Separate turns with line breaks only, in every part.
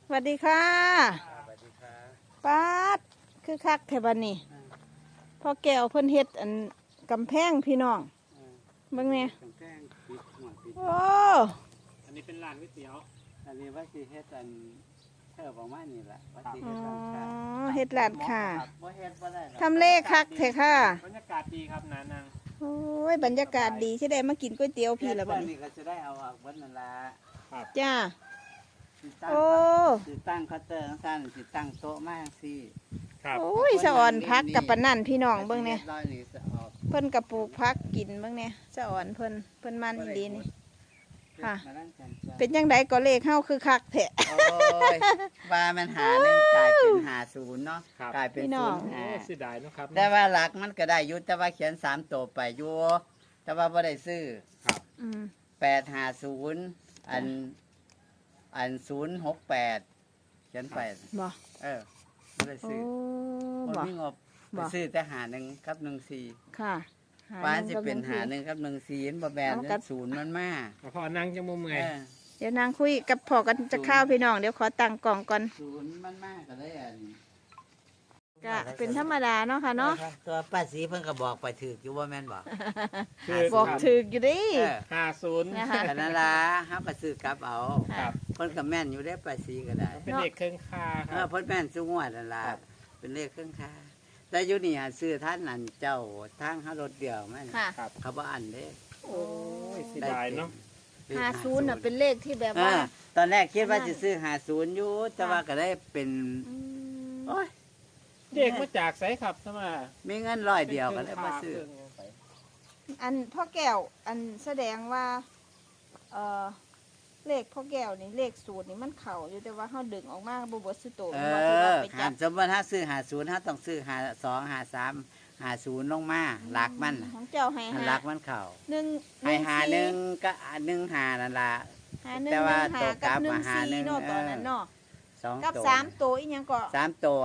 สวัสดีค่ะ
สวัสดีครับ
ป้าดคือคักแถบันนี่พ่อแก้วเพิ่นเฮ็ดอันกำแพงพี่น้องเบิ่งเนี่ย
แจ้งปิดหัวปิด
โอ้
อันนี้เป็นร้านก๋วยเตี๋ยว
อันนี้ว่าสิเฮ็ดอันเธอประมาณนี้แหละว่าสิ
อ๋
เฮ็ดร้านค้า
อเฮ็ดร้านค่ะ
บ่เฮ็ดบ่ได้หรอก
ทำเลคักแท้ค่ะ
บรรยากาศดีครับนานัง
โอ้ยบรรยากาศดีสิได้มากินก๋วยเตี๋ยวพี่ละบัด
เฮ็ด
นี้
ก็จะได้เอาออกเบิดนั่นล่ะ
จ้า
สิตั้ง
โอ้
สิตั้งเคาน์เตอร์ซั่นสิตั้งโต๊ะมาจังซี่
ครับ
โอ้ยสะอ่อนพักกับปานนั่นพี่น้องเบิ่งเนี่ย
รีบร้อยนี่สิออก
เพิ่นกระปลูกพักกินเบิ่งเนี่ยสะอ่อนเพิ่นมันอีหลีนี่ ค่ะ
มานั่งกันจ้ะ
เป็นจังไดก็เลขเฮาคือคักแท้
โอ้ยว่ามันหาหนึ่งกลายเป็นหาศูนย์เนาะ
ครับ
กลายเป็น
พี่น้
ศู
อง
นย์
โอ้
หา
เสียดายเนอะครับ
แต่ว่าหลักมันก็ได้อยู่แต่ว่าเขียน3ตัวไปอยู่แต่ว่าบ่ได้ซื้อ
ครับ
อืม
850อัน068เขียนไป
บ่
บ่ได้
โอ้
ซื้อบ่
บ่
มีงบ
บ่
ไปซื้อแต่หาหนึ่งกับ14
ค่ะ
ป้าน
ห
สิ
งกับ
เป็น
ง
หาหนึ่งกับ14เห็นบ่แม่น
เอากัด
ศูนย์มันมา
เอาพอนั่งจังมุมไง
เออ
เดี๋ยวนางคุยกับพ่อกันจะข้าวพี่น้องเดี๋ยวขอตั้งกล่องก่อน
ศูนย์มันมาก็เลยอัน
ก็เป็นธรรมดาเนาะค่ะเนาะ
ตัวป้าสีเพิ่นก็บอกไปถูกอยู่ว่าแม่นบ่
คือ
บอกถึกอยู่ดิ
เออ
50
นะคะ
ก็นั่นล่ะเฮาก็ซื้อกลับเอา
ครับ
เพิ่นก็แม่นอยู่ได้ป้าสีก็ได้
เป็นเด็กเครื่องคาค
เอ
รั
อบ เพิ่นแม่นซุงวดนั่นล่ะเป็นเลขเครื่องค่าแต่อยู่นี่หาซื้อท่านนั่นเจ้าทางเฮารถเดียวมัน
ค่ะ
ครับ
เขาบ่อันเด้
โอ้ยเสียดายเนาะ
เลข
50น่ะเป็นเลขที่แบบ
เอ
ว่า
อตอนแรกคิดว่าสิซื้อ50อยู่แต่ว่าก็ได้เป็น
ม
โอ้ย
เด็กมาจากไสครับทำไม
มีเงินร้อยเดียวก็เลยบ่ซื้อ
อันพ่อแก้วอันแสดงว่าเอ่อเลขพ่อแก้วนี่เลขสูตรนี่มันเข้าอยู่แต่ว่าเฮาดึงออกมาบ่เบิดสุโต
เอ
ว่าที่ว่า
อ
ไป
หั
จั
น
บ
สมมุติถ้าซื้อ50ถ้าต้องซื้อ52 53 50ลงมาหลักมันน่ะ
ของเจ้าให้
หันหลักมันเข้า
หนึ่ง
ให้หา
สี่
หนึ่งก็1หานั่นล่ะ
หาหนึ่ง
แต่ว่า
หา
ตัวกลั
กับบ หนึ่ง
มาหาหนึ่
สี่
ง
เนาะตอนนั้นเนาะ
สอง
กับ
ตัว
สามตัวอีหยังก็
3ตัว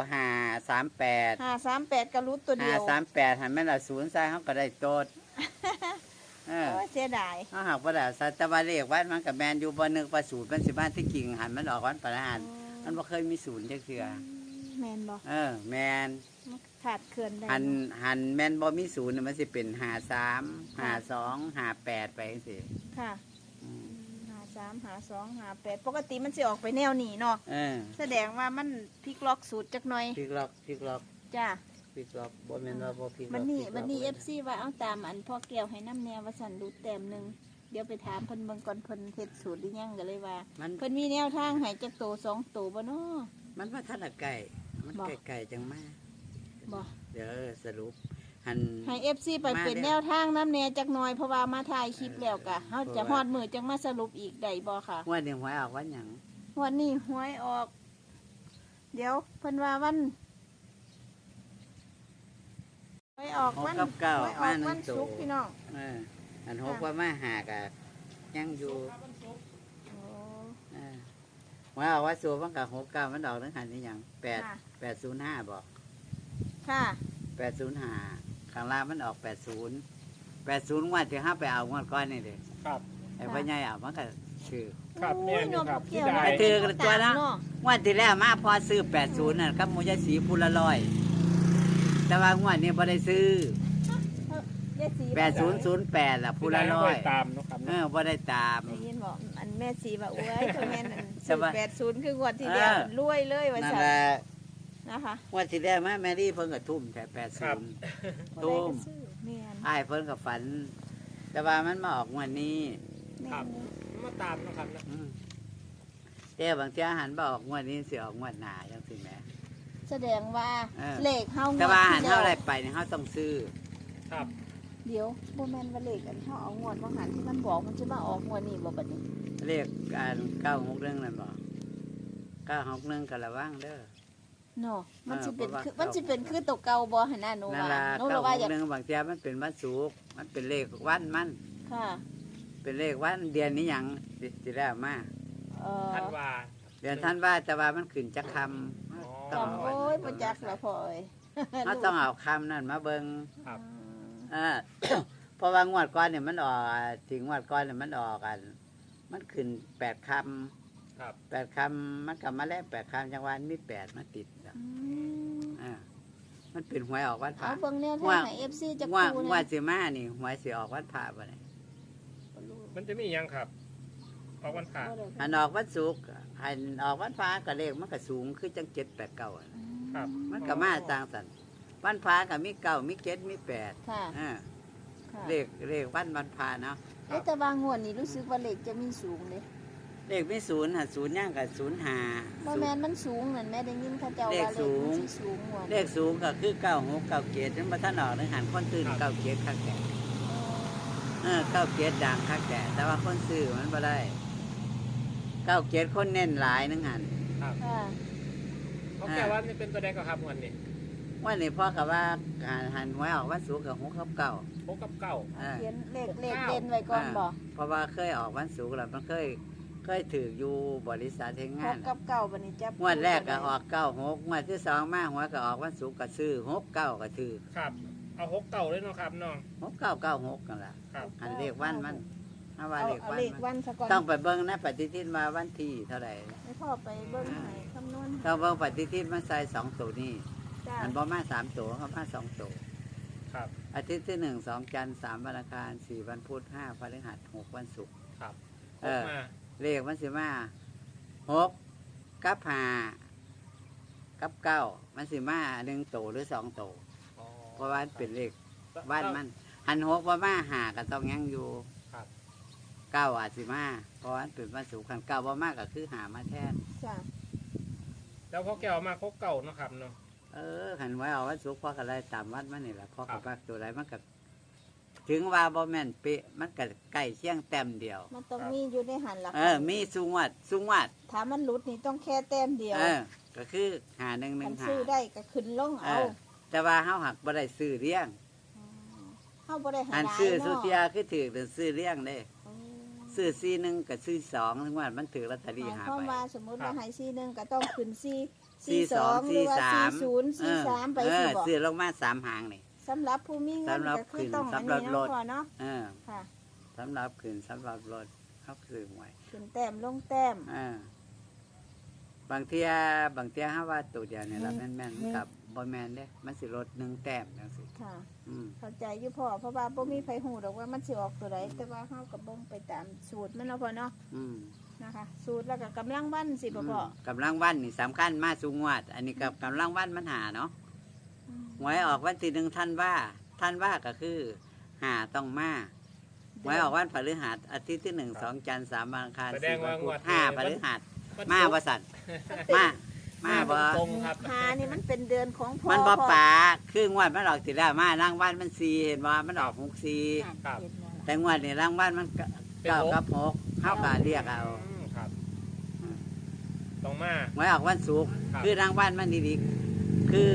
538
538ก็รู้ตัวเดียว
538หันแม่นละ0ใส่เฮาก็ได้โตดเออ
โอ้ยเสียดาย
เฮาหากบ่ได้สัตว์แต่ว่าเลขวัดมันก็แม่นอยู่บ่นึกว่าศูนย์มันสิมาที่กิ่งหันมันออกวันประหารมันบ่เคยมีศูนย์จักเทื่อ
แมนบ่
เออแม่น
ขาดเขื่อนได้
หันแม่นบ่มีศูนย์น่ะมันสิเป็น53 52 58ไปจังซี่
ค่ะ
อืม
53 52 58ปกติมันสิออกไปแนวนี้เนาะ
เออ
แสดงว่ามันพลิกล็อกสูตรจักหน่อย
พลิกล็อกพลิกล็อก
จ้า
พลิกล็อกบ่แม่นว่าบ่พลิกล็อก
วันนี้
พลิกล็อก
วันนี้
ไว้
FC ว่าเอาตามอันพ่อแก้วให้น้ำแนวว่าสั่นรูดแต้มหนึงเดี๋ยวไปถามเพิ่นเบิ่งก่อนเพิ่นเฮ็ดสูตรหรือยังก็เลยว่า
มัน
เพิ่นมีแนวทางให้จักโต2โตบ่เนาะ
มันว่าทันละไก่มัน
บ่
ไก่ๆจังมา
บ่
เดี๋ยวสรุปหัน
ให้ FC ไป
มา
เป็น
เด้อ
แนวทางน้ำแนจักหน่อยเพราะว่ามาถ่ายคลิปแล้วกะเฮาจะฮอดมือจังมาสรุปอีกได้บ่ค่ะ
ว่าเดี๋ยวหวยออกวันหยัง
วันนี้หวยออก เดี๋ยวเพิ่นว่าวันหวยออก
หก
วัน
กับเก้า
หวยอ
มา
อก
หนึ่
วั
ง
น
ตั
ศุ
ว
กร์พี่น้อง
เอออันหกว่ามาหากะยังอยู่
โอ้
เออหวยออกว่าสูมันกับ69มันออกทั้งหันนี่หยัง
ค่ะ
805บอก
ค่ะ
805ข้างล่างมันออก80งวดที่ห้าไปเอางวดก้อนนี่เด้
ครับ
ไอ้พ่อใหญ่เอามันก็ซื้อ
ครับ
โอ้
แม่
ย
นอยู่ครับ
เกี่ยว
เสียดาย
ไปถือกันตัวนะ
เนาะ
งวดที่แล้วมาพอซื้อ80นั่นกับหมูยายสีพูละร้อยแต่ว่างวดนี้บ่ได้ซื้อ
ยายสี
8008ล่ะพูละร้อย
ไม่ได้ตามเนอะครับ
เออบ่ได้ตาม
ได้ยินบอกอันแม่สีว่าอวยตัวแม่นอัน
ใช่ปะ
80คืองวดที่แล้ว
เออ
รวยเลยว่า
นั่น
ซั่น
แหละ
นะคะ
งวดที่แล้วมาแมรี่เพิ่นก็ทุ่มแต่
ครับ
80ทุ่ม
บ่ได้ก็ซื้อแม่น
อ้ายเพิ่นก็ฝัน แต่ว่ามันมาออกงวดนี้
ครับมาตามเนอะครับนะ
อืมแต่บางเที่ยหันบ่ออกงวดนี้สิออกงวดหน้าจังซี่แหม
แสดงว่า
เออ
เลขเฮางวด
แต่ว่าหัน
ที่
เท่า
แล้ว
ไรไปเนี่ยเฮาต้องซื้อ
ครับ
เดี๋ยวบ่แม่นว่าเลขอันเฮาเอางวดว่าหันที่มันบอกมันจะมาออกงวดนี้บ่บัดนี้
เลขอัน961นั่นบ่961ก็ระวังเด้อ
เนาะมันสิเป็น
เพราะว่า
คือมันสิเป็นคือตัวเก่าบ่หั่นน่ะหนู
นั่น
ว่า
ล่ะ
หนูเลยว่าอยาก
961บางเที่ยมันเป็นวันศุกร์มันเป็นเลขวันมัน
ค่ะ
เป็นเลขวันเดือนนี้หยังสิแล้วมา
ท่านว่า
เดือนธันวาแต่ว่ามันขึ้นจักคำ
อ๋อ
จำโอ้ยบ่จักละพ่อเอ้ย
เราต้องเอาคำนั่นมาเบิง
ครับ
อ่า เพราะว่างวดก้อนเนี่ยมันออกถึงงวดก้อนเนี่ยมันออกกัน มันขึ้น8 คำ
ครับ
8คำมันก็มาแล้ว8คำจังหวะมี8มาติดแล้ว อ่ามันเป็นหวยออกวันพ
เอา
ระ
เบิ่งแนวทางให้ FC จัก
ว่า
คู่
ว่า
นะ
สิมานี่หวยสิออกวันพระบ่ได้
มันจะมีหยังครับ ออกวันผ่า
อันออกวันศุกร์อันออกวันพระก็เลขมันก็สูงคือจัง7 8 9อะ
ครับ
มันก็มาต่างสันวันพระก็มี9มี7มี8
ค่ะ
อ่า
ค่ะ
เลขวันพระเนาะ
แต่บางงวดนี่รู้สึกว่าเลขจะมีสูงเด้
เลขมี0หา0ย่างกับ0
บ่แม่นมันสูงนั่นแม่ได้ยินเขาเจ้าว่า
เล
เล
ข
ข
สูง
มันสิสูงงวด
เลขสูงก็คือ9 6 9 7มันบ่ทันออกนึงหันคนตื่น9 7คักแก่9 7ดังคักแก่แต่ว่าคนซื้อมันบ่ได้9 7คนเน้นหลายนึงหัน
ครับ
ค่ะ
เขาแก้ว่านี่เป็นตัวแดงกับครับวันนี้
วันนี้พ่อกับว่าหันหวยออกวันศุกร์กับ6 กับ 9
6กับเก้า
เอาเขียนเลขเด่นไว้ก่อนบ่
เพราะว่าเคยออกวันศุกร์แล้วมันเคยถืออยู่บริษัทเทง
ห
งาน
กกับเก้าบัดนี้จับ
งวดแรกก็ออก96งวดที่สองมาหัวก็ออกวันศุกร์ก็ซื้อ69ก็ถือ
ครับ เอา6เก้าเลยเนาะครับน้อง
6996กันล่ะ
ครับ
อันเลขวันมันถ้าว่า
เอา
เลข
เอา
วัน
เลข
มัน
วันซะก่อน
ต้องไปเบิ่งนะปฏิทินมาวันที่เท่าไหร่
ให้พ่อไปเบิ่งให้คำนวณ
ต้องเบิ่งปฏิทินมาใส่2ตัวนี้
จ้า
มันบ่มา3ตัวเขามา2ตัว
ครับ
อาทิตย์ที่1 2จันทร์3วันอังคาร4วันพุธ5พฤหัส6วันศุกร์
ครับ
เออ
มา
เลขมันสิมา6กับ5กับ9มันสิมา1ตัวหรือ2ตัว
อ๋อ
เพราะว่ามันเป็นเลขบ้านมันหัน6ว่ามา5ก็ต้องยังอยู่
ครับ
9อาจสิมาเพราะว่ามันเป็นวันศุกร์คัน9บ่มาก็คือหามาแทน
จ้า
แล้วพ่อแก้วมา6เก้าเนาะครับเนาะ
หันไว้เอาวันศุกร์พ่อก็ได้ตามวัดมันนี่แหละพ่อ
ครั
ก็
บ
ปักตัวใดมันก็ถึงว่าบ่แม่นเป๊ะมันก็ใกล้เคียงแต้มเดียว
มันต้องมีอยู่ในหันหลัก
มีสุงวัด
ถ้ามันหลุดนี่ต้องแค่แต้มเดียว
ก็คือหา1
มัน
1
ซื้อ
หา
ได้ก็ขึ้นลงเอา
แต่ว่าเฮาหักบ่ได้ซื้อเลี้ยง
เฮาบ่ได้หา
อัน
หลาย
ซื้อสุ
เนาะ
เทียคือถือแต่ซื้อเลี้ยงเด้
อืม
ซื้อ4 1กับซื้อ2ถึงว่ามันถือลอตเตอรี่
หมาย
หา
ความ
ไป
ว่าสมมุติว่าให้4-1ก็ต้องขึ้น4
42
4-2หรือว่า
43
4-0 4-3ไปสิบ่
ซื้อลงมา3หางนี่
สำหรับผู้มีเงิน
สำหรับ
ก็คือ
ขึ้น
ต้องอัน
สำหรับ
นี้
ร
เนาะ
ถ
พ่อเนาะ
เออ
ค่ะ
สำหรับขึ้นสำหรับรถเขาซื้อหวย
ขึ้นแต้มลงแต้ม
บางเที่ยเฮาว่าตัวเดียวนี่ล่ะแม่นๆมันกับบ่แม่นเด้มันสิลด1แต้มจังซี่
ค่ะ
อืม
เข้าใจอยู่พ่อเพราะว่าบ่มีไผฮู้ดอกว่ามันสิออกตัวใดแต่ว่าเฮาก็เบิ่งไปตามสูตรมันเนาะพ่อเนาะ
อืม
นะคะ สูตรแล้วก็กำลังวันสิบ่พ่อ
กำลังวันนี่สำคัญมาสูงวัด อันนี้กับกำลังวันมันหาเนาะ
อืม
หวยออกวันที่1ธันวาก็คือหาต้องมาหวยออกวันพฤหัสอาทิตย์ที่1 2จันทร์3วันอังคาร
แสดง
4วั
ว่าน ง
พุ
ว
ธ
ด
5พฤหัส
วัน
มา
ศุก
บ่
ร์
สั่นมาบ่
ตรงครับ
หานี่มันเป็นเดือนของพ่อ
มันบ่
พ่อ
ป่าคืองวดมันออกสิแล้วมารางวัลมัน4เห็นบ่มันออก6 4
ครับ
แต่งวดนี่รางวัลมันเก้ากับ6เฮาก็เรียกเอา
ครับตรงมา
หวยออกวันศุกร์
ครับ
คือรางวัลมันดีๆคือ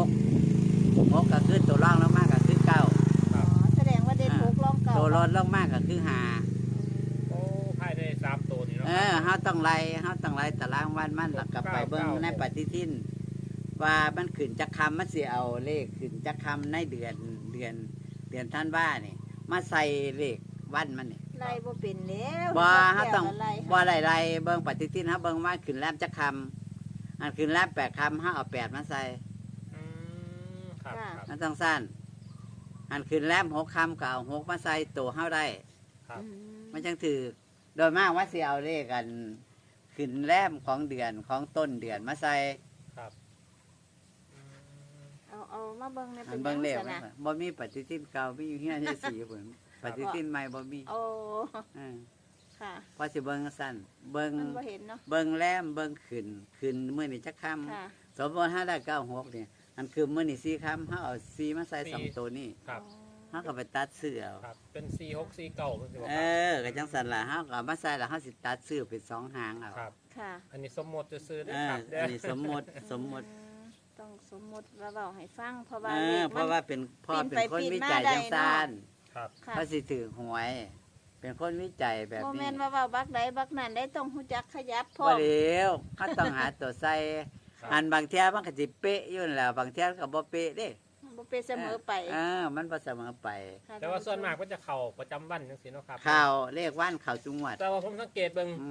6ก็คือตัวรองลงมาก็คือ9
ค
อ๋
รั
อบ แสดงว่าเด่นหกรองเก่า
ตัวรถลงมาก็คือ5
โอ้ภายใน3ตัวนี่เนาะ
เฮาต้องไล่ตารางวันมันแล้วก็ไปเบิ่งในปฏิทิน ว่ามันขึ้นจักคำมันสิเอาเลขขึ้นจักคำในเดือนธันวานี่มาใส่เลขวันมันนี่
ไล่บ่เป็นแล้ว
บ่เฮาต้อง
ไล่
บ่ไล่เบิ่งปฏิทินเฮาเบิ่งว่าขึ้นแรมจักคำอันขึ้นแรม8คำเฮาเอา8มาใส่
อืมครับครับ
มันต้องสั้นอันขึ้นแรม6คำก็เอา6มาใส่ตัวเฮาได้
ครับ
อืม
มันจังถือโดยมากว่าสิเอาเลขกันขึ้นแรมของเดือนของต้นเดือนมาใส่
ครับอืม
เอามาเบิ่งใน
อั
เป็น น
เบิ่งเลข
จังซั่น
มัน
นะ
บ่มีปฏิทินเก่ามีอยู่เฮียนที่สีพุ่นปฏิทินใหม่บ่มี
โอ้
เออ
ค่ะ
พอสิเบิ่งสั้นเบิ่ง
มันบ่เห็นเนาะ
เบิ่งแรมเบิ่งขึ้นมื้อนี้จักค่
ค่ะ
ำสมมุติ5ได้96นี่อันคือมื้อนี้4ค่ำเฮาเอา4มาใส่สองตัวนี้
ครับ
เฮาก็ไปตัดซื้อเอา
ครับ เป็น4 6 4เก้าเป็นสิบ่
เอ
ครับ
ก็จังซั่นล่ะเฮาก็เอามาใส่แล้วเฮาสิตัดซื้อเป็น2หางเอา
ครับ
ค่ะ
อันนี้สมมติจะซื้อได้
เออ
ครับ
อันนี้สมมุติ
ต้องสมมุติว่าเว้าให้ฟังเพราะว่า
เอ
เล
อ
ข
เพ
มัน
ราะว่าเป็นพ่อ
ปีน
เป็
ไป
นคน
ปีน
วิ
มา
จัย
ได้
จังซ่าน
ครับ
ค่ะ
พระสิถือหวย เป็นคนวิจัยแบบ
บ่
นี้
แม่นว่าเว้าบักใดบักนั้นได้ต้องฮู้จักขยับพร้อ
บ่
ม
เดียวเขาต้องหาตัวใส่
ครับ
อันบางเที่ยมันก็สิเป๊ะอยู่นั่นแหล้วบางเที่ยก็บ่เป๊ะเด้
บ่เป็นเสมอไป
มันบ่เสมอไป
ค่ะ
แต่ว่าส่วนมากก็จะเข่าประจำวันจังสิเนาะครับ
ข่าวเลขว่านข่าวจุงหวัด
แต่ว่าผมสังเกตเบิ่ง
อืม
เข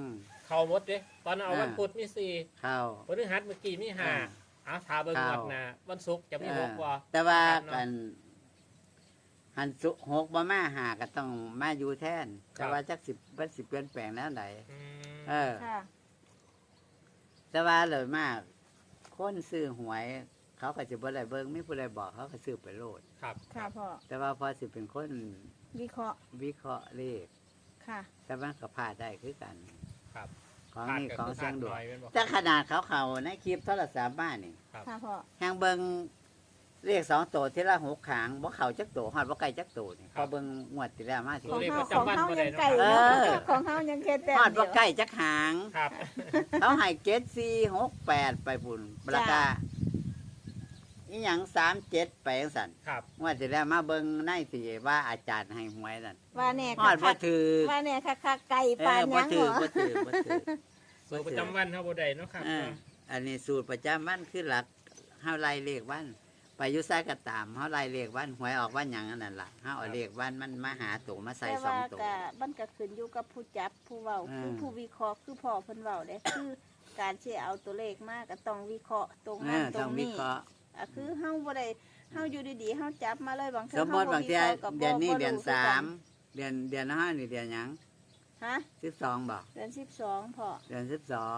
เขาหมดเด้ตอนนั้นเอาวันพุธมีสี่
เข้า
พฤหัสเมื่อกี้มีห้าเอาถาเบิ่งงวดหน้าวันศุกร์จะมีหกบ่
แต่ว่า
ครับเนาะ
กันหันสุหกบ่มาหาก็ต้องมาอยู่แทน
ครับ
แต่ว่าจักสิบมันสิเปลี่ยนแปลงแล้วไหน
อืม
เออ
ค่ะ
แต่ว่าเลยมากคนซื้อหวย เขาก็จะบ่ได้เบิ่งไม่ผู้ใดบอกเขาก็ซื้อไปโลด
ครับ
ค่ะพ่อ
แต่ว่าพอสิเป็นคน
วิเคราะห์
วิเคราะห์เลข
ค่ะ
แต่มันก็พลาดได้คือกัน
ครับ
ของ
พลาด
นี่
ก็
ของ
คือพ
เสี
ลาย ด
งดว
น้
ง
อยเป็นบ่
แต่ขนาดเขาในคลิปโทรศัพท์บ้านนี่
ครับ
ค่ะพ่อ
แฮงเบิ่งเลข2ตัวที่ละ6ขางบ่เข้าจักตัวฮอดบ่ไกลจักตัวนี่พอเบิ่งงวดที่แล้วมาสิ
ของ
เลข
เฮา
ประ
ของ
จำวัน
เฮา
บ่ได้
ยัง
เนาะ
ไก่
เอ
เนาะ
อ
ของเฮายังแค่แต้ม
ฮอด
เดี
บ่
ยว
ใกล้จักหาง
ครับ
เขาให้7468ไปพุ่นราคาอีหยัง37ไปจังซั่น
ครับ
งวดที่แล้วมาเบิ่งในสิว่าอาจารย์ให้หวยนั่น
ว่าแน่
ฮอดบ่
คัก
ถือ
ๆว่าแน่คักๆไก่
เอ
ปาน
อบ่
ยัง
ถื
เห
อ
รอ
บ่ถือบ่ถือ
สูตรประจำวันเฮาบ่ได้เนาะครับ
เอออันนี้สูตรประจำวันคือหลักเฮาไล่เลขวันไปอยู่ไสก็ตามเฮาไล่เลขวันหวยออกวันหยังอันนั้นล่ะเฮาเอาเลขวันมันมาหาตัวมาใส่
แต่
สอ
ว่าง
ตัว
ก็มันก็ขึ้นอยู่กับผู้จับผู้เว้า
อืม
คือผู้วิเคราะห์คือพ่อเพิ่นเว้าเด้คือการที่เอาตัวเลขมาก็ต้องวิเคราะห์ตรง
เอ
นั้น
อ
ตร
ต้อง
ง
วิ
นี้
เคราะห์
คือเฮาบ่ได้เฮาอยู่ดีๆเฮาจับมาเลยบางเทื่
ส
อ
ม
เฮาม
ติ
บ่
บาง
วิ
เที
เคราะห์ก็
เดือนนี้
บ่
เดือน
รู้คือ
สา
กั
มเดือนห้านี่เดือนหยัง
ฮะ
12บ่
เดือน12พ่อ
เดือน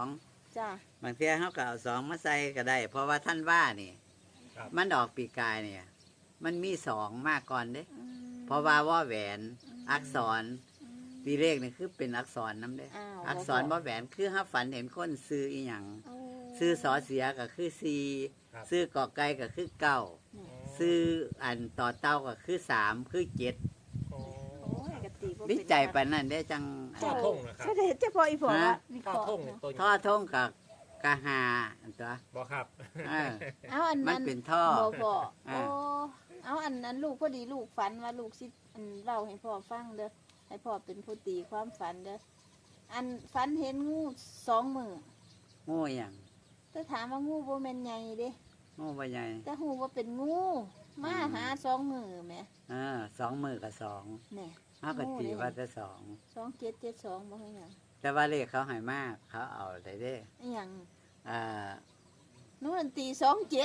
12
จ้า
บางเทีเฮาก็เอา2มาใส่ก็ได้ เพราะว่าท่านว่านี่
ครับ
มันออกปีกายเนี่ยมันมี2มาก่อนเด้
อืม
เพราะว่าแหวนอักษร
อืม
ปีเลขนี่คือเป็นอักษรนำเด้
อ้าว
อักษรบ่แหวนคือเฮาฝันเห็นคนซื้ออีหยัง
โอ้
ซื้อสอเสียก็คือซีซื้อกอไก่ก็คือเก้าซื้ออันต่อเต้าก็คือ3คือ7
โอ้
โอ้ยกะติบ่
วิ
เป็น
จัยไปานนั่นได้จัง
ท่อทงนะครับ
แสดงเฉพาะอีพ่อว่า
ฮะ
วิเค
ท่อ
ราะห์
ทงเนี่ยตัว
ท่อทงกับกะหาอันตัว
บ่ครับ
เออ
เอาอัน
มัน
นั้น
เป็นท่อ
บ่พ่อ
อ่า
โอ้เอาอันนั้นลูกพอดีลูกฝันว่าลูกสิอันเล่าให้พ่อฟังเด้อให้พ่อเป็นผู้ตีความฝันเด้ออันฝันเห็นงู2 มือ
โง่หยัง
แต่ถามว่างูบ่แม่นใหญ่เด้
โง่บ่ใหญ่
แต่ฮู้ว่าเป็นงูมาหา2 มือแหม
2 มือกับ2
แหน่
เฮาก็ตีว่าจะ
2772บ่ให้หยัง
2แต่ว่าเลขเขาให้มากเขาเอาได้เด้
อีหยัง
อ่า
หนูอันตี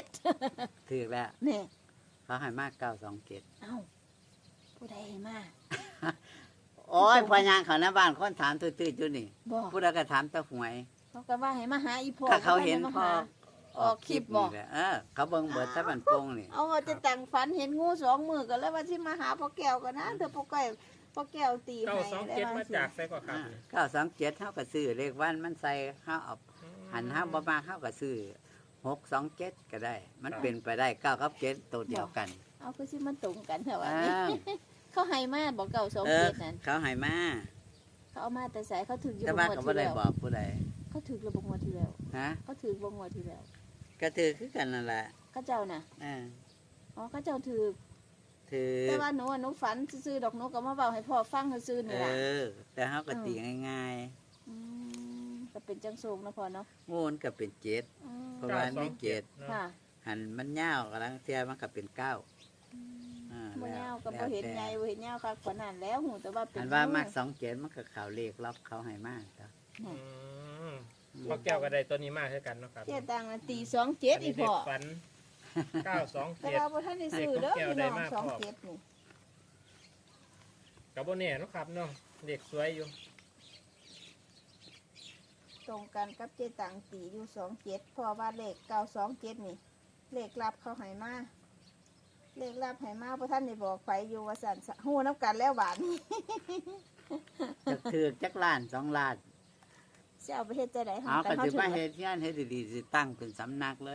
27
ถูกแล้ว
แหน่
เขาให้มาก927
เอ้าผู้ใดให้มา
โอ้ยพอยางเขาหน้าบ้านคนถามตื้อๆอยู่นี่
บ่
ผู้ใดก็ถามแตะหวย
เขาก็ว่าให้มาหาอีพ่อ
ก็เขาเห็น
บ่
พอ
ได้มาหาออกคลิปบ่
นี่แหละเขาเบิ่งเบิดตะบันโป่งนี่
เอาว่าจะแต่งฝันเห็นงู2 มือก็เลยว่าสิมาหาพ่อแก้วกันนะเดี๋ยวพ่อแก้วตี
เก้า
ให้
สอง
ได้
เจ็ด
ว่า
มา
สิ
จากไสก็ครับ
927เฮาก็ซื้อเลขวันมันใส่เฮาเอา หันห้าบ่มาเข้ากับซื้อ627ก็ได้ มันเป็นไปได้9กับ7ตัวเดียวกัน
เอาคือสิมันตรงกันเหรอวะ
อ้า
นี่
ว
เขาให้มาบอกเก่า2
เออ
7นั่น
เขาให้มา
เขาเอามาแต่ใส่เขาถึกอยู่
แต่
บ่
ว่า
งวด
ก็บ่
ที่
ได้
แล้ว
บอกผู้ใด
เขาถึกระบบงวดที่แล้ว
ฮะ
เขาถึกบ่งวดที่แล้ว
ก็ถือคือกันนั่นแหละ
เขาเจ้าน่ะ
อ่า
อ๋อเขาเจ้าถึก
ถือ
แต่ว่าหนูฝันซื่อๆดอกหนูก็มาเว้าให้พ่อฟังซื่อๆ
เอ
นี่ล่ะ
อ แต่เฮาก็ตีง่าย
ก็เป็นจังสูงนะพ่อเนาะ
ๆงูนก็เป็น7
อืม
เพราะว่ามีเจ็ด
เนาะ
ค่ะ
หันมันยาวกำลังเทียมันก็เป็น9อ่า
บ่
แล้ว
ยาวก็
แล้
บ่
ว
เห็น
แต่
ใหญ่บ่เห็นยาวคักกว่านั้นแล้วหูแต่ว่าเป็น
หันว่า
งู
มัก27มันก็เข้าเลขล็อกเขาให้มากจ้ะ
อืมพ่อแก้วก็ได้ตัวนี้มากเท่ากันเนาะครับ
เจ๊ตังน่ะตี27อีพ่อ
ฝัน
แต่
927
ว่าบ่ทันได้ซื้อเด้อ
เด็ก
พี่
แก้
น้
ว
อง
ได้มาก
27นี่
กับโบเน่เนาะครับเนาะเด็กสวยอยู่
ตรงกันกับเจ๊ตังตีอยู่27เพราะว่าเลข927นี่ เลขลับเขาให้มาเลขลับให้มาบ่ทันได้บอกไผอยู่ว่าสั่นฮู้นํกันแล้วบาดนี้
จักถือจักล้าน2ล้าน
สิเอาไปเฮ็ดจังได๋
เอาก็
เฮา
สิ
ถึง
มาเฮ็ดงานเฮ็ดดีๆสิตั้งเป็นสำนักเลย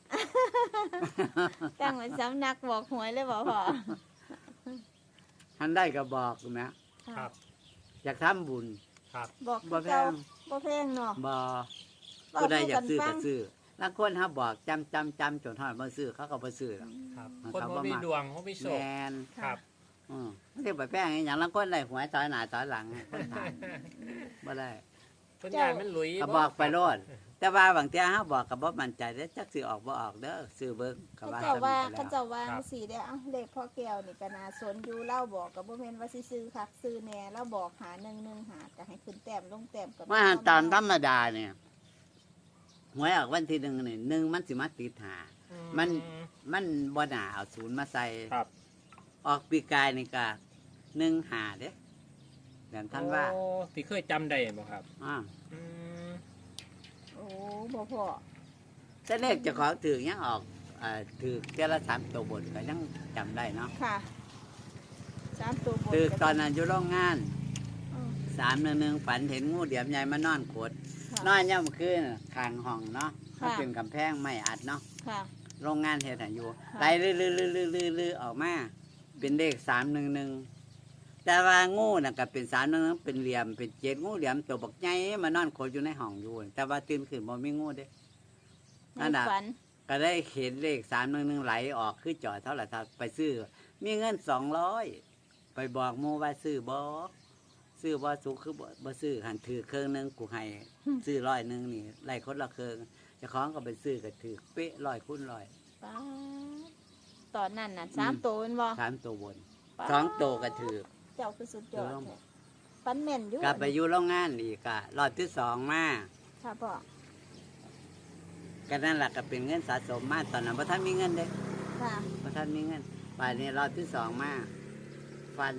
ตั้งเป็นสำนักบอกหวยเลยบ่พ่อ
ท่านได้ก็บอกนะครับ อยากทำบุญ
ครับ
บอก
บ่
คือ
แพ
เก่าง บ่แพงเนาะ
บ่
เว้
ผู้ใดอยาก
สู่
ซื้อ
ฟั
ก็
ง
ซื้อลางคนเฮาบอกจำจนฮอดบ่ซื้อเขาก็บ่ซื้อหรอก
ครับ
มัน
คน
เขาบ่
บ่มี
มัก
ดวงเขามีโช
แม
คน ครับ
มันสิไปแป้งอหย่างลางคนได้หวยถอยหน้าถอยหลังคนถามบ่ได้
คนยายมันหลุย
ก็บอกไปโลดแต่ว่าบางเที่ยเฮาบอกก็บ่มั่นใจเด้อจักสิออกบ่ออกเด้อซื้อเบิ่งก็
เขา
ว่า
เจ้าว่า
ซ้ำ
เขา
แล้ว
เจ้าว่าสีได้เอาเลขพ่อแก้วนี่ก็น่าสนอยู่เล่าบอกกับบ่แม่นว่าสิซื้อคักซื้อแหน่แล้วบอกหา1 1หาก็ให้ขึ้นแต้มลงแต้มกับ
ว่าตามธรรมดาเนี่ยหวยออกวันที่1นี่1มันสิมาติดหา มัน มันบ่น่าเอาศูนย์มาใส่
ครับ
ออกปีกายนี่ก็1หาเด้เดือนธันวา
โอ้ที่เคยจำได้บ่ครับ
อ่า
อืม
โอ้บ่พอ
แต่เลขเจ้าของถือยังออกถือเท่าละ3ตัวบนก็ยังจำได้เนาะ
ค่ะ3ตัวบน
ถือตอนนั้นอยู่โรงงาน
อืม
311ฝันเห็นงูเหลี่ยมใหญ่มานอนขด
ค่ะ
นอนย่ำคืนข้างห้องเนาะ
ค่ะ
มันเป็นกำแพงไม่อัดเนาะ
ค่ะ
โรงงานเฮ็ดให้อยู่
ค่ะ
ไล่ลือออกมา เป็นเลข311แต่ว่างูน่ะก็เป็น311เป็นเหลี่ยมเป็นเจ็ดงูเหลี่ยมตัวบักใหญ่มานอนขดอยู่ในห้องอยู่ แต่ว่าตื่นขึ้นบ่มีงูเด้ นั่น
ใน
น่ะ
ฝัน
ก็ได้เห็นเลข311ไหลออกคือจอดเท่าไหร่ครับไปซื้อ มีเงิน200ไปบอกหมู่ว่าซื้อบ่สุขคือบ่ซื้อหันถือเครื่องหนึงกูให้ซื้อ100นี่ไล่คนละเครื่องเจ้าของก็ไปซื้อก็ถือเป๊ะ100คูณ100
ป๊าดตอนนั้นน่ะ3ตัวแม่นบ่
3ตัวบน
ป๊าด
2ตัวก็ถือ
เจ้าคือสุดยอดแท้ฝันแม่นอยู่
กลับไปอยู่โรงงานอีกก็รอบที่2มา
ค่ะพ่อ
ก็นั่นล่ะก็เป็นเงินสะสมมาตอนนั้นบ่ทันมีเงินเด้
ค่ะ
บ่ทันมีเงินป่านนี้รอบที่2มาฝัน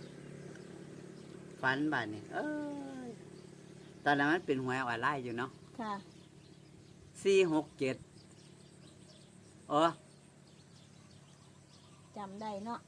บาดนี้ตอนนั้นมันเป็นหวยออนไลน์อยู่เนาะ
ค่ะ
467โอ้
จำได้เนาะ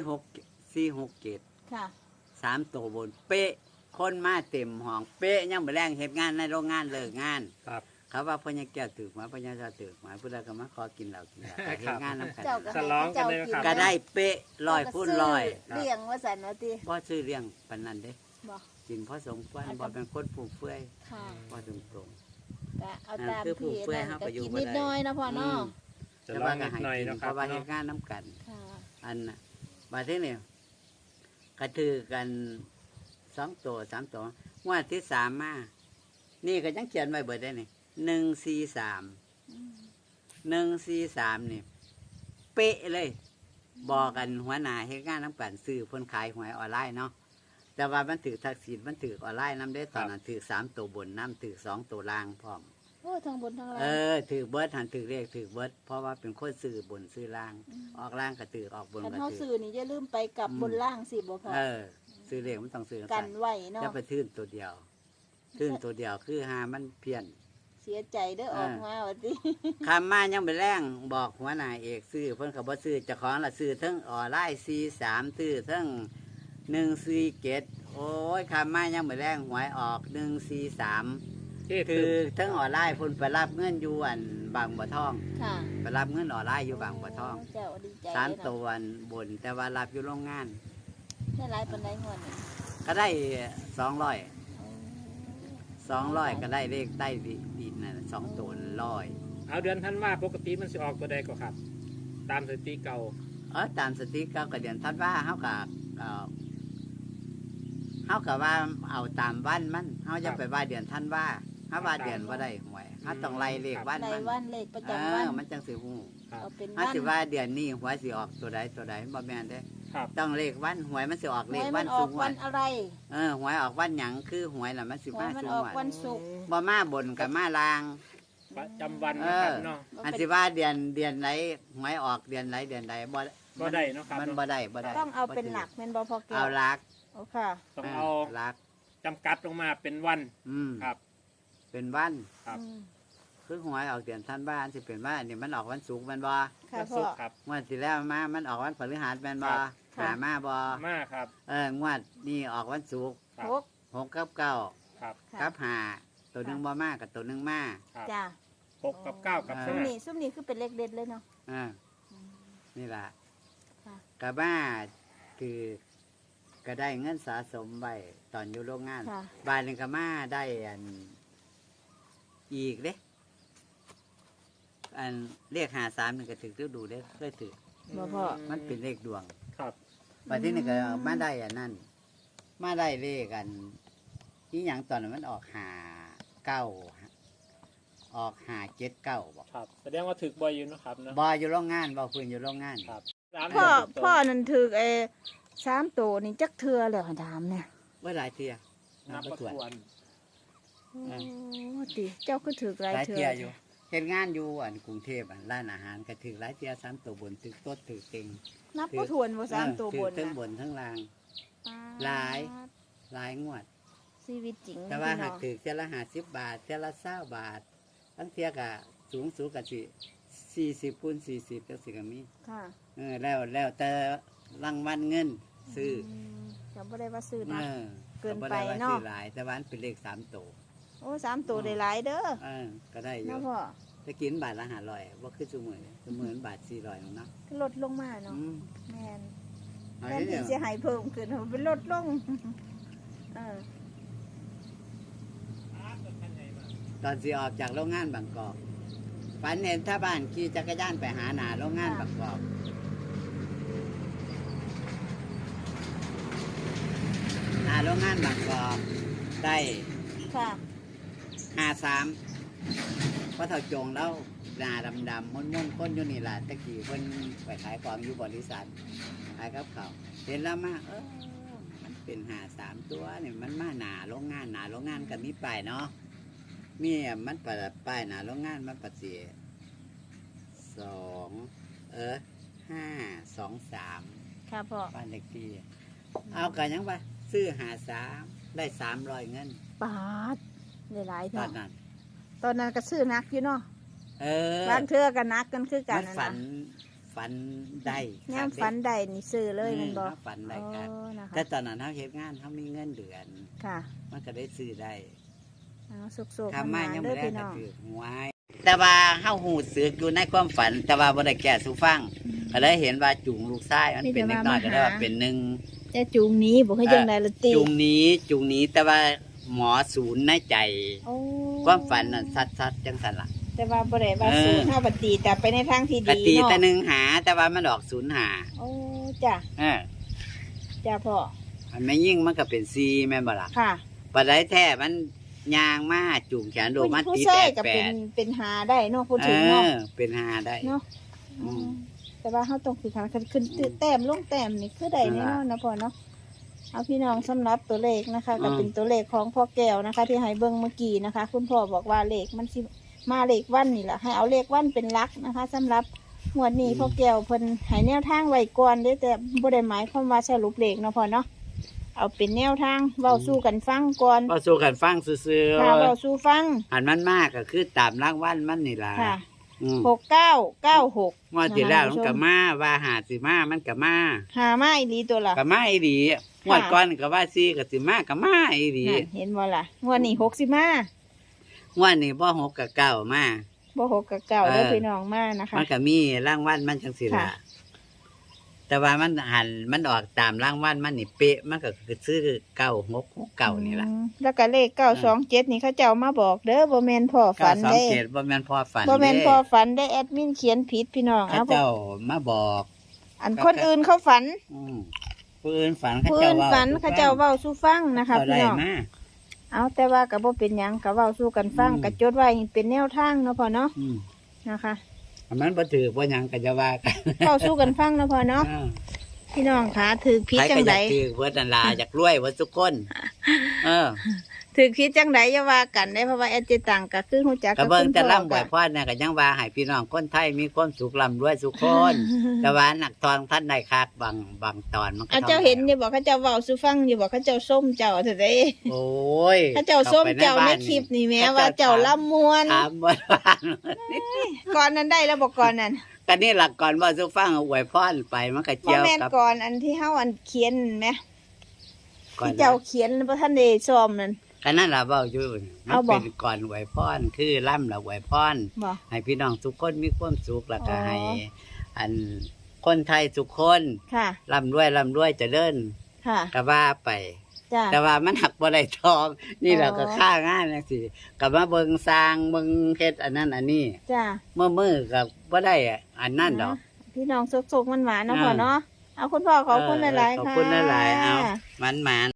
467
ค่ะ
3ตัวบน เป๊ะคนมาเต็มห้องเป๊ะยังบ่แรงเฮ็ดงานในโรงงานเลิกงาน
ครับ
เขาว่าพ่อยังแก้วตึกมาพ่อยังจะตึกมาผู้ใดก็มาขอกินเหล้ากินยาไปเฮ็ดงานน้ำกัน
เจ้าก็
ฉลองกันเลยนะครับ
ก็ได้เป๊ะ100คูณ100
เลี้ยงว่าสันว่าติ
บ่ซื้อเลี้ยงปานนั้นเด้
บ่
กินพอสมควรบ่เป็นคนผู้เฟื่อย
ค่ะ
บ่ตรงตรง
ก็เอา
นั่น
ตาม
คือผู้
ที่
เฟื่อย
นั่น
เฮา
ก็
ก็อยู่
กิน
บ่
นิด
ได้
หน้อยนะพ่อเนาะ
จะลองนิดหน่อย
กิ
นะค
เพ
รับ
ราะว่าเฮ็ด
เนาะ
งานน้ำกัน
ค่ะ
อันน่ะบัดนี้นี่ก็ถือกัน2ตัว3ตัวงวดที่3มานี่ก็ยังเขียนไว้เบิดได้นี่143
อืม
143นี่เป๊ะเลย บอกกันหัวหน้าเฮ็ดงานน้ำกันซื้อเพิ่นขายหวยออนไลน์เนาะแต่ว่ามันถือทักษิณมันถือออนไลน์น้ำได้ตอนนั้นถือ3ตัวบนน้ำถือ2ตัวล่างพร้อม
โอ้ทางบนทางล่าง
ถือเบิดหันถือเลขถือเบิดเพราะว่าเป็นคนซื้อบนซื้อล่าง ออกล่างก็ถือออกบน
คัน
ก็
เฮา
ถื
ซื้
อ
อนี่อย่าลืมไปกลับบนล่างสิบ่พ่อ
ซื้อเลขมันต้องซื้อ
กั
กัน น
ไว้เนาะ
จะไปทื่นตัวเดียวทื่นตัวเดียวคือหามันเพี้ยน
เสียใจเด้อออกมาว่าติ
คำมายังไปแรงบอกหัวหน้าเอกซื้อเพิ่นก็บ่ซื้อเจ้าของละซื้อทั้งออนไลน์43ซื้อทั้ง147โอ้ยคำมายังไปแรงหวยออก143
เจ๊
คื
คือ อ
ทั้งออนไลน์เพิ่นไปรับเงินอยู่อันบางบัวทอง
ค่ะ
ไปรับเงินออนไลน์อยู่บางบัวทอง
เจ้าดีใจ
สาม
เด้อ
ตัวอันบน แต่ว่ารับอยู่โรงงาน
ได้หลายปานใดงวดนี่
ก็ได้200ก็ได้เลขใต้ดินน่ะ2ตัว100
เอาเดือนธันวาปกติมันสิออกตัวใดก็ครับ ตามสถิติเก่า
ตามสถิติก็เดือนธันวาเฮาก็ว่าเอาตามวันมันเฮาจะไปว่าเดือนธันวาเฮาว่าเดือนบ่ได้หวยเฮาต้องไล่เลขวัน
ใน
มัน
วันเลขประจำวัน
มันจังสิฮู้
ครับ
เอาเป็น
เฮา
วัน
สิว่าเดือนนี้หวยสิออกตัวใดบ่แม่นเด้
ครับ
ต้องเลขวันหวยมันสิออก
ห
เล
ว
ข
ย
วั
มัน นอ
สู
อก
ง
วันอะไร
หวยออกวันหยังคือหวยน่ะมันสิ
หวย
มา
มัน
สูง
ออก
วั
วัน นศุกร์
บ่มาบนกับมาลาง
ประจำวันนะครับเนาะ
อันสิว่าเดือนไหนหวยออกเดือนไหนบ่
บ่ได้เนาะครับ
มัน
เนาะ
บ่ได้บ่ได้
ต้องเอาเป็นหลักแม่นบ่พอแก้
เอา
ว
หลัก
โอ้ค่ะ
ต้องเอา
หลัก
จำกัดลงมาเป็นวัน ครับ
เป็นวัน
ครับ
อืม
คือหวยออกเดือนธันวาสิเป็นวันอันนี้มันออกวันศุกร์แม่นบ่
ค่ะ
วัน
พ่
ศุ
อก
ร์ครับ
งวดที่แล้วมันออกวันพฤหัสแม่นบ่
ครับ
ค่ะ
หามาบ่
มาครับ
งวดนี้ออกวันศุกร์
ครับ
หก
6กับ9
ครับ
ค่ะ
กับ5ตัวหนึงบ่มากับตัวหนึงมา
ครับ
จ้า
6กับ9กับ
อ่า
ซุ่ม
5
นี่ซุ่มนี่คือเป็นเลขเด็ดเลยเนาะ
อ่านี่ล่ะ
ค่ะ
กับมาคือก็ได้เงินสะสมไว้ตอนอยู่โรงงาน
ค่ะ
บ้านนึงก็มาได้อีกเด้เลข53นี่ก็ถึกดูเด้เคยถึก
บ่พ่อ
มันเป็นเลขดวง
ครับ
บัดที่นี่ก็มาได้อันนั้นมาได้เลขอีหยังตอนนั้นมันออก5 9 ออกหาเจ็ดเก้าบอก
ครับแสดงว่าถึกบ่อยอยู่เนาะครับเนาะ
บอยอยู่โรงงานบอพื้นอยู่โรงงาน
ครับ
พ่อนั่นถือ3ตัวนี่จักเทื่อแล้วถามเนี่ย
ว่าหลายเทีย
นับ
บ่
ประ
ถ้
ท
วน
วน
โอ้ติเจ้าก็ถือหลาย
หลาย
เทื่
เทีย
อ
อยู่เห็นงานอยู่กรุงเทพร้านอาหารก็ถือหลายเทีย3 ตัวบนถือโต๊ะถือเต็ง
นับบ่ถ้วนบ่3ตัวบน
ถือทั้ง
นะ
บนทั้งล่าง หลาย หลายงวด
ชีวิตจริง
แต่ว่า
พี่
หา
น้
ก
อง
ถือเทียละ50 บาทเทียละ20 บาททั้งเทียกะสูงกับ40 คูณ 40จังสิก็มี
ค่ะ
แล้วแต่รางวัลเงินซื้อ
ก็บ่ได้ว่าซื้อ
เอ
นะ
อ
เกิน
บ่
ไป
ด้ว่
เนาะ
ซื้อหลายแต่ว่ามันเป็นเลข3 ตัว
โอ้3ตัวได้หลายเด้อ
ก็ได้อยู่
เนาะพ่อ
จะกินบาทละ500ว่าคือซุมื้อบาท400นึงเนาะ
ลดลงมาเนาะ
อืม
แม่น
เอา
แม่น
เดี๋
ที่
ยว
สิให้เพิ่มขึ้นมันเป็นลดลงเออ
ตอนสิออกจากโรงงานบางกอกฝันเห็นถ้าบ้านขี่จักรยานไปหาหน้าโรงงานบางกอกหน้าโรงงานบางกอกได้
ค่ะ
53เพราะเท่าจงแล้วหน้าดำๆม่วนๆคนอยู่นี่ล่ะตะกี้เพิ่นไปขายของอยู่บริษัทขายกับเขาวเห็นแล้วมามันเป็น53ตัวนี่มันมาหน้าโรงงานก็มีป้ายเนาะมีมันเปิดป้ายหน้าโรงงานมันปัดเสีย523
ค่ะพ่อ
บ้านเลขที่เอากันยังว่าซื้อ53ได้300เงิน
ปาดได้หลาย
ต
เท่า
อนนั้น
ตอนนั้นก็ซื้อนักอยู่เนาะ
อบ
างเทื่อก็นักกันคือกั
มัน น
นะ
ฝันได้
ย่ามฝันใดนี่ซื้อเลยมันบอก
ฝันได้ครับ
นะคะ
แต่ตอนนั้นเขาเฮ็ดงานเขามีเงินเดือน
ค่ะ
มันก็ได้ซื้อได้
เอาสุกๆ
ทำมา
มา
ยัง
เด้
ไม่
อ
ได้
พี่
ก็
น้อง
ถือหวยแต่ว่าเฮาหูสึกอยู่ในความฝัน แต่ว่าบ่ได้แก้สู่ฟังก็เลยเห็นว่าจุงลูกชายมันเป็นเล็กน้อยก็ได้ว่าเป็นหนึ่ง
จะจูงหนี้บอกให้จังไดละติ
จุงนี้แต่ว่าหมอศูนย์ในใจ
โอ้
ความฝันน่ะชัดๆจังซั่นล่ะ
แต่ว่าบ่ได้ว่าสูเฮาปฏิแต่ไปในทางที่
กะ
ดี
ตี
เนาะ
แต่หนึ่งหาแต่ว่ามันออกศูนย์หา
โอ้จ้ะ
เออ
จ้ะพ่อ
อันไม่ยิ่งมันก็เป็นซีแม่นบ่ล่ะ
ค่ะ
ปัดได้แท้มันยางมาจูงแขนโดมัน
ผู้
ตี
ชา
แต
ย
ก
ก็
แป
เป็นหาได้เนาะพูด
เอ
ถึงเนาะ
อเป็นหาได้
เนาะ
อืม
แต่ว่าเขาต้องฝึกหัดขึ้นแต้มลงแต้มนี่คือใดแน่นอนนะพ่อเนาะเอาพี่น้องสำหรับตัวเลขนะคะก็เป็นตัวเลขของพ่อแก้วนะคะ ที่ให้เบิ้งเมื่อกี้นะคะ คุณพ่อบอกว่าเลขมันสิมาเลขวันนี่แหละให้เอาเลขวันเป็นหลักนะคะ สำหรับงวดนี้พ่อแก้วเพิ่นให้แนวทางไว้ก่อนเด้อแต่บ่ได้หมายความว่าสรุปเลขเนาะพ่อเนาะเอาเป็นแนวทางเว้าสู้กันฟังก่อน
ก็สู้กันฟังซื่อ
ค่ะเว้าสู้ฟัง
ๆอันมันมากก็คือตามรางวัลมันนี่ล่ะ
ค่ะ
อืม
6996
งวดที่แล้วมันก็มาว่าหาสิมามันก็มา
หามาอีหลีตัวละ
ก็มาอีหลีงวดก่อนก็ว่าซีก็สิมาก็มาอีหลี
นั่นเห็นบ่ล่ะงวดนี้60มาง
วดนี้บ่6กับ9มา
บ่6กับ9เด้อ
เออ
พี่น้องมานะคะ
มันก็มีรางวัลมันจังสิล่ะ
ค่ะ
แต่ว่ามันหันมันออกตามรางวัลมันนี่เป๊ะมันก็คือซื้อ9669นี่ล่ะ
แล้วก็เลข927นี่เขาเจ้ามาบอกเด้อบ่แม่นพ่อฝันเด้
927บ่แม่นพอฝัน
บ่แม่น
เด้
พ่อฝันได้แอดมินเขียนผิดพี่น้อง
เขา
เอา
เจ้ามาบอก
อันคนอื่นเขาฝัน
ผู้อื่นฝันเขา
ผู้
เจ้า
อื่น
เว้า
ฝันเขาเจ้าเว้าสู่ฟังนะคะ
เขา
พี่
ได้
น้อง
มา
เอาแต่ว่าก็บ่เป็นหยังก็เว้าสู่กันฟัง
อืม
ก็จดไว้ให้เป็นแนวทางเนาะพ่อเนาะ
อืม
นะคะ
อันมันบ่ถือบ่หยังก็จะว่ากัน
เว้าสู่กันฟังเนาะพ่อเนาะพี่น้องคะถือผิด
ใคร
จั
ก็
ง
อ
ได
ยากถือเบิดนั่นล่ะอยากรวยเบิดทุกคน เออ
ถือผิดจังไดอย่าว่ากันได้เพราะว่าแอดจิตังก็คือฮู้จัก
ก็
กับ
เบิ่ง
คุณ
แต่
พ่อ
ร่ำบ่
ก็
อยพอดน่ะก็ยังว่าให้พี่น้องคนไทยมีความสุขร่ำรวยทุกคน แต่ว่านักทองท่านได้คักบางตอนมันก็
เอาเจ้าเห็นอยู่บอกเขาเจ้าเว้าสู่ฟังอยู่บอกเขาเจ้าส้มเจ้าเถอะเด้
โอ้ย
เขาเจ้าส้มเจ้าใน
ข้ไป
คลิปนี่แม้
เขา
ว่าเจ้าล่ำมวน
ถามบ่ว่า
ก่อนนั้นได้แล้วบอกก่อนนั้น
ก็นี่หลักก่อนว่าสุฟังอวยพรไปมันก็
พ่อ
เกี่ยว
แม่น
กับ
ก่อนอันที่เฮาอันเขียนไหม
ก่อน
ที่เจ้าเขียนพระท่านเดซ้อมนั่น
ก็นั่นล่ะเว้าอยู่มั
เอา
น
บ่
เป็นก่อนอวยพรคือล่ำละอวยพร
บอก
ให้พี่น้องทุกคนมีความสุขแล้วก็
อ๋อ
ให้อันคนไทยทุกคน
ค่ะ
ร่ำรวยเจริญ
ค่ะ
ก็ว่าไป
จ้า
แต่ว่ามันหักบ่ได้ทอง นี่เราก็
อ๋อ
ค่างานจังซี่ก็มาเบิ่งสร้างเบิ่งเฮ็ดอันนั้นอันนี้
จ้า
มือก็บ่ได้อันนั้นดอก
พี่น้องสุกๆมันหวานๆเนาะ
อ่า
พ่อเนาะเอาคุณพ่อขอบคุณหลายๆ
ขอบ
ค่ะ
คุณหลายๆเอามัน